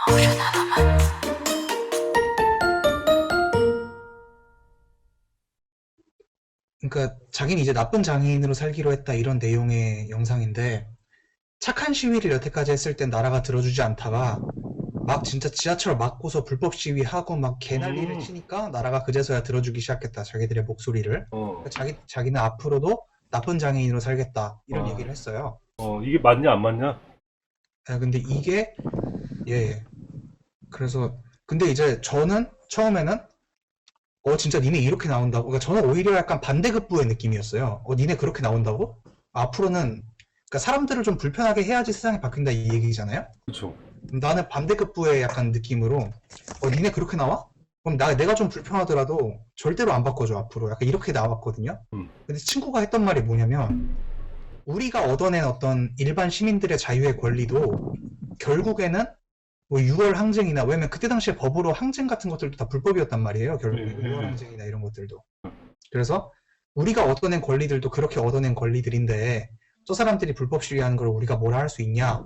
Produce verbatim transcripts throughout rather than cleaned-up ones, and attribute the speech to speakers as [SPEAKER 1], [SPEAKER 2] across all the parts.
[SPEAKER 1] 그러니까 자기는 이제 나쁜 장애인으로 살기로 했다 이런 내용의 영상인데 착한 시위를 여태까지 했을 땐 나라가 들어주지 않다가 막 진짜 지하철 막고서 불법 시위하고 막 개난리를
[SPEAKER 2] 음.
[SPEAKER 1] 치니까 나라가 그제서야 들어주기 시작했다 자기들의 목소리를.
[SPEAKER 2] 어,
[SPEAKER 1] 그러니까 자기, 자기는 앞으로도 나쁜 장애인으로 살겠다 이런
[SPEAKER 2] 아.
[SPEAKER 1] 얘기를 했어요.
[SPEAKER 2] 어, 이게 맞냐, 안 맞냐?
[SPEAKER 1] 아, 근데 이게 예, 예. 그래서 근데 이제 저는 처음에는 어 진짜 니네 이렇게 나온다고? 그러니까 저는 오히려 약간 반대급부의 느낌이었어요. 어 니네 그렇게 나온다고? 앞으로는 그러니까 사람들을 좀 불편하게 해야지 세상이 바뀐다 이 얘기잖아요.
[SPEAKER 2] 그쵸.
[SPEAKER 1] 나는 반대급부의 약간 느낌으로 어 니네 그렇게 나와? 그럼 나 내가 좀 불편하더라도 절대로 안 바꿔줘 앞으로 약간 이렇게 나왔거든요.
[SPEAKER 2] 음.
[SPEAKER 1] 근데 친구가 했던 말이 뭐냐면 우리가 얻어낸 어떤 일반 시민들의 자유의 권리도 결국에는 뭐 유월 항쟁이나 왜냐면 그때 당시에 법으로 항쟁 같은 것들도 다 불법이었단 말이에요. 결국에
[SPEAKER 2] 네,
[SPEAKER 1] 유월
[SPEAKER 2] 네.
[SPEAKER 1] 항쟁이나 이런 것들도. 그래서 우리가 얻어낸 권리들도 그렇게 얻어낸 권리들인데 저 사람들이 불법 시위하는 걸 우리가 뭐라 할 수 있냐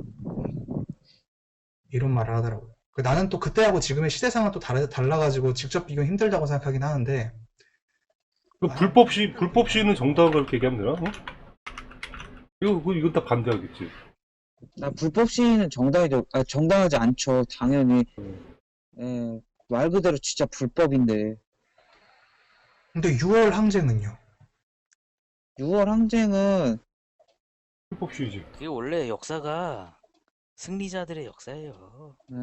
[SPEAKER 1] 이런 말을 하더라고요. 그 나는 또 그때하고 지금의 시대상은 또 다르, 달라가지고 직접 비교 힘들다고 생각하긴 하는데
[SPEAKER 2] 그
[SPEAKER 1] 아,
[SPEAKER 2] 불법 시, 불법 시는 정당한 그렇게 얘기하면 되나? 어? 이거, 이거, 이건 다 반대하겠지.
[SPEAKER 3] 나 불법 시위는 정당하지, 아, 정당하지 않죠. 당연히.
[SPEAKER 2] 음.
[SPEAKER 3] 예, 말 그대로 진짜 불법인데.
[SPEAKER 1] 근데 유월 항쟁은요?
[SPEAKER 3] 유월 항쟁은,
[SPEAKER 2] 불법 시위지.
[SPEAKER 4] 그게 원래 역사가 승리자들의 역사예요.
[SPEAKER 3] 예.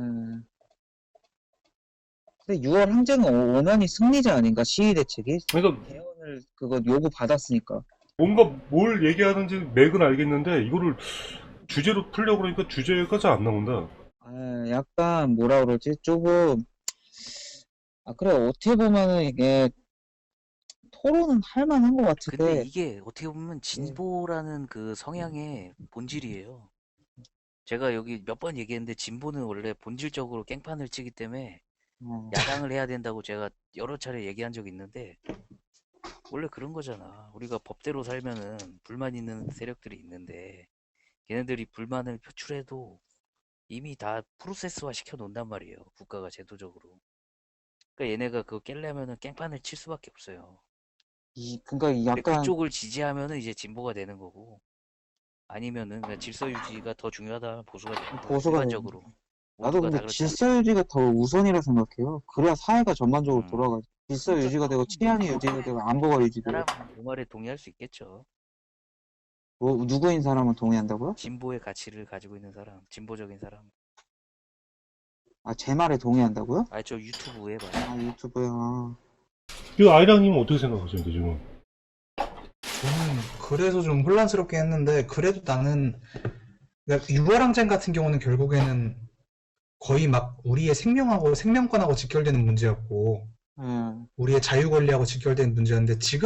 [SPEAKER 3] 근데 유월 항쟁은 원한이 승리자 아닌가? 시위 대책이?
[SPEAKER 2] 그러니까
[SPEAKER 3] 개헌을 그거 요구 받았으니까.
[SPEAKER 2] 뭔가 뭘 얘기하는지 맥은 알겠는데 이거를 주제로 풀려고 그러니까 주제가 잘 안 나온다.
[SPEAKER 3] 아, 약간 뭐라 그러지? 조금, 아, 그래, 어떻게 보면은 이게 토론은 할 만한 것
[SPEAKER 4] 근데
[SPEAKER 3] 같은데.
[SPEAKER 4] 이게 어떻게 보면 진보라는 그 성향의 본질이에요. 제가 여기 몇 번 얘기했는데 진보는 원래 본질적으로 깽판을 치기 때문에
[SPEAKER 3] 어,
[SPEAKER 4] 야당을 해야 된다고 제가 여러 차례 얘기한 적이 있는데 원래 그런 거잖아. 우리가 법대로 살면은 불만 있는 세력들이 있는데 걔네들이 불만을 표출해도 이미 다 프로세스화 시켜 놓는단 말이에요. 국가가 제도적으로. 그러니까 얘네가 그거 깰려면은 깽판을 칠 수밖에 없어요.
[SPEAKER 3] 이, 그니까
[SPEAKER 4] 근데
[SPEAKER 3] 약간,
[SPEAKER 4] 그쪽을 지지하면은 이제 진보가 되는 거고 아니면은 그냥 질서 유지가 더 중요하다 보수가 되는 거예요.
[SPEAKER 3] 보수가
[SPEAKER 4] 일반적으로
[SPEAKER 3] 나도
[SPEAKER 4] 모두가
[SPEAKER 3] 근데
[SPEAKER 4] 다 그렇지
[SPEAKER 3] 질서 유지가 더 우선이라 생각해요. 그래야 사회가 전반적으로
[SPEAKER 4] 음.
[SPEAKER 3] 돌아가지. 질서
[SPEAKER 4] 그러니까
[SPEAKER 3] 유지가 되고
[SPEAKER 4] 그건
[SPEAKER 3] 치안이
[SPEAKER 4] 뭐
[SPEAKER 3] 유지가 되고 안보가 유지돼요.
[SPEAKER 4] 사람은 그 말에 동의할 수 있겠죠.
[SPEAKER 3] 뭐 누구인 사람은 동의한다고요?
[SPEAKER 4] 진보의 가치를 가지고 있는 사람, 진보적인 사람.
[SPEAKER 3] 아, 제 말에 동의한다고요?
[SPEAKER 4] 아, 저 유튜브에 봐요.
[SPEAKER 3] 아, 유튜브야.
[SPEAKER 2] 이거 아이랑님은 어떻게 생각하세요, 지금?
[SPEAKER 1] 저는 그래서 좀 혼란스럽게 했는데 그래도 나는 그러니까 유월 항쟁 같은 경우는 결국에는 거의 막 우리의 생명하고 생명권하고 직결되는 문제였고
[SPEAKER 3] 예.
[SPEAKER 1] 우리의 자유 권리하고 직결되는 문제였는데 지금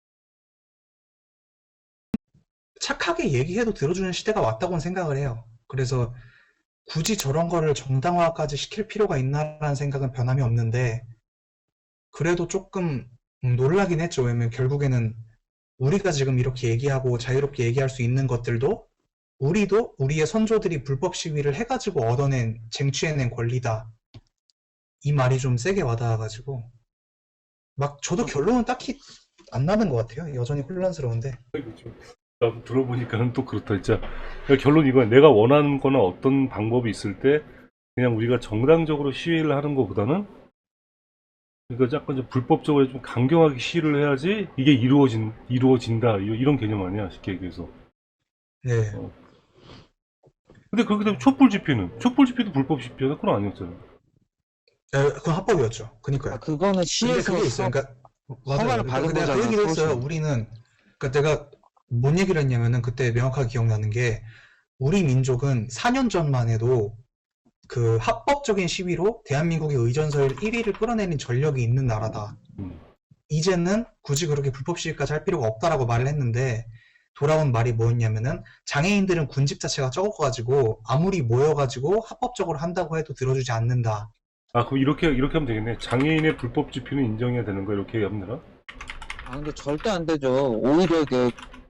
[SPEAKER 1] 착하게 얘기해도 들어주는 시대가 왔다고는 생각을 해요. 그래서 굳이 저런 거를 정당화까지 시킬 필요가 있나라는 생각은 변함이 없는데 그래도 조금 음, 놀라긴 했죠. 왜냐면 결국에는 우리가 지금 이렇게 얘기하고 자유롭게 얘기할 수 있는 것들도 우리도 우리의 선조들이 불법 시위를 해가지고 얻어낸 쟁취해낸 권리다. 이 말이 좀 세게 와닿아가지고 막 저도 결론은 딱히 안 나는 것 같아요. 여전히 혼란스러운데.
[SPEAKER 2] 그렇죠. 나도 들어보니까는 또 그렇다, 진짜. 그러니까 결론 이거야. 내가 원하는 거나 어떤 방법이 있을 때 그냥 우리가 정당적으로 시위를 하는 것보다는 그러니까 약간 좀 불법적으로 좀 강경하게 시위를 해야지 이게 이루어진, 이루어진다. 이- 이런 개념 아니야, 쉽게 얘기해서.
[SPEAKER 1] 네.
[SPEAKER 2] 어. 근데 그렇게 되면 촛불 집회는? 촛불 집회도 불법 집회는 그건 아니었잖아.
[SPEAKER 1] 에, 그건 합법이었죠.
[SPEAKER 3] 아,
[SPEAKER 1] 그니까요.
[SPEAKER 3] 그거는
[SPEAKER 1] 근데
[SPEAKER 3] 시에서
[SPEAKER 1] 그게 있어요. 그러니까 맞아요.
[SPEAKER 3] 허가를
[SPEAKER 1] 그러니까
[SPEAKER 3] 받은
[SPEAKER 1] 내가 그
[SPEAKER 3] 거잖아,
[SPEAKER 1] 얘기를 했어요.
[SPEAKER 3] 서울시는.
[SPEAKER 1] 우리는 그러니까 내가 뭔 얘기를 했냐면은 그때 명확하게 기억나는 게 우리 민족은 사 년 전만 해도 그 합법적인 시위로 대한민국의 의전서열 일 위를 끌어내린 전력이 있는 나라다.
[SPEAKER 2] 음.
[SPEAKER 1] 이제는 굳이 그렇게 불법 시위까지 할 필요가 없다라고 말을 했는데 돌아온 말이 뭐였냐면은 장애인들은 군집 자체가 적어가지고 아무리 모여가지고 합법적으로 한다고 해도 들어주지 않는다.
[SPEAKER 2] 아, 그럼 이렇게, 이렇게 하면 되겠네. 장애인의 불법 집회는 인정해야 되는 거, 이렇게 하면 되나?
[SPEAKER 3] 아, 근데 절대 안 되죠. 오히려 이게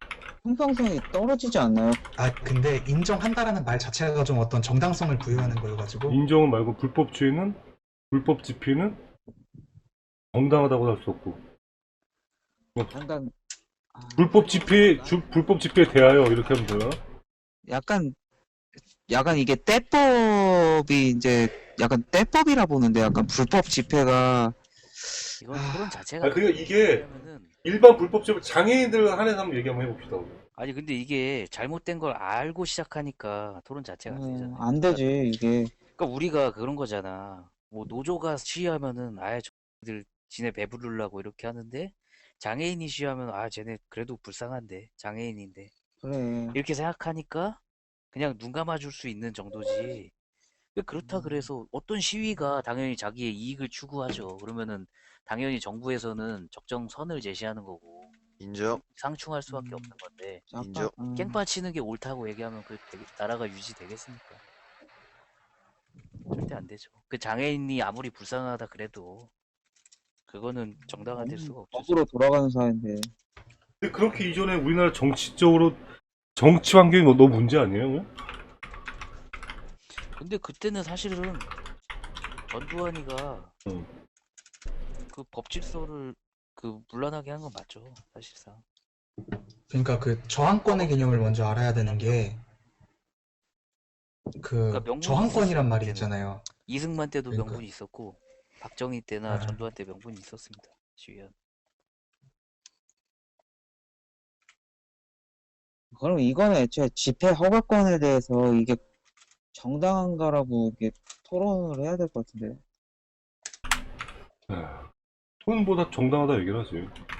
[SPEAKER 3] 형평성이 떨어지지 않나요?
[SPEAKER 1] 아, 근데 인정한다라는 말 자체가 좀 어떤 정당성을 부여하는 거여가지고.
[SPEAKER 2] 인정은 말고 불법주의는 불법 집회는 정당하다고 할 수 없고
[SPEAKER 3] 약간 아,
[SPEAKER 2] 불법 집회 주, 불법 집회에 대하여 이렇게 하면 되나?
[SPEAKER 3] 약간 약간 이게 때법이 이제 약간 때법이라 보는데 약간 불법 집회가
[SPEAKER 4] 이건
[SPEAKER 3] 아,
[SPEAKER 4] 토론 자체가
[SPEAKER 2] 아, 그러니까 이게
[SPEAKER 4] 왜냐면은
[SPEAKER 2] 일반 불법 집회 장애인들 한해서 한번 얘기 한번 해봅시다. 우리.
[SPEAKER 4] 아니 근데 이게 잘못된 걸 알고 시작하니까 토론 자체가 안
[SPEAKER 3] 어,
[SPEAKER 4] 되잖아요.
[SPEAKER 3] 안
[SPEAKER 4] 그러니까,
[SPEAKER 3] 되지 이게.
[SPEAKER 4] 그러니까 우리가 그런 거잖아. 뭐 노조가 시위하면은 아예 저들 지네 배부르려고 이렇게 하는데 장애인이 시위하면 아 쟤네 그래도 불쌍한데 장애인인데
[SPEAKER 3] 그래.
[SPEAKER 4] 이렇게 생각하니까 그냥 눈 감아줄 수 있는 정도지. 왜 그렇다 그래서 어떤 시위가 당연히 자기의 이익을 추구하죠. 그러면은 당연히 정부에서는 적정 선을 제시하는 거고
[SPEAKER 5] 인정,
[SPEAKER 4] 상충할 수밖에
[SPEAKER 3] 음,
[SPEAKER 4] 없는 건데
[SPEAKER 5] 인정.
[SPEAKER 3] 약간 음,
[SPEAKER 4] 깽판 치는 게 옳다고 얘기하면 그 되게- 나라가 유지되겠습니까? 절대 안 되죠. 그 장애인이 아무리 불쌍하다 그래도 그거는 정당화될 수가 없죠.
[SPEAKER 3] 법으로 돌아가는 사회인데.
[SPEAKER 2] 근데 그렇게 이전에 우리나라 정치적으로 정치 환경이 너- 너무 문제 아니에요?
[SPEAKER 4] 근데 그때는 사실은 전두환이가
[SPEAKER 2] 응.
[SPEAKER 4] 그 법질서를 그 문란하게 한 건 맞죠, 사실상.
[SPEAKER 1] 그러니까 그 저항권의 개념을 먼저 알아야 되는 게,
[SPEAKER 4] 그러니까
[SPEAKER 1] 그
[SPEAKER 4] 명분이
[SPEAKER 1] 저항권이란
[SPEAKER 4] 있었어요
[SPEAKER 1] 말이
[SPEAKER 4] 그때는.
[SPEAKER 1] 있잖아요.
[SPEAKER 4] 이승만 때도
[SPEAKER 1] 그러니까
[SPEAKER 4] 명분이 있었고 박정희 때나
[SPEAKER 1] 아,
[SPEAKER 4] 전두환 때 명분이 있었습니다. 시위한.
[SPEAKER 3] 그럼 이거는 애초에 집회 허가권에 대해서 이게 정당한가라고 이게 토론을 해야 될 것 같은데.
[SPEAKER 2] 돈보다 정당하다 얘기를 하지.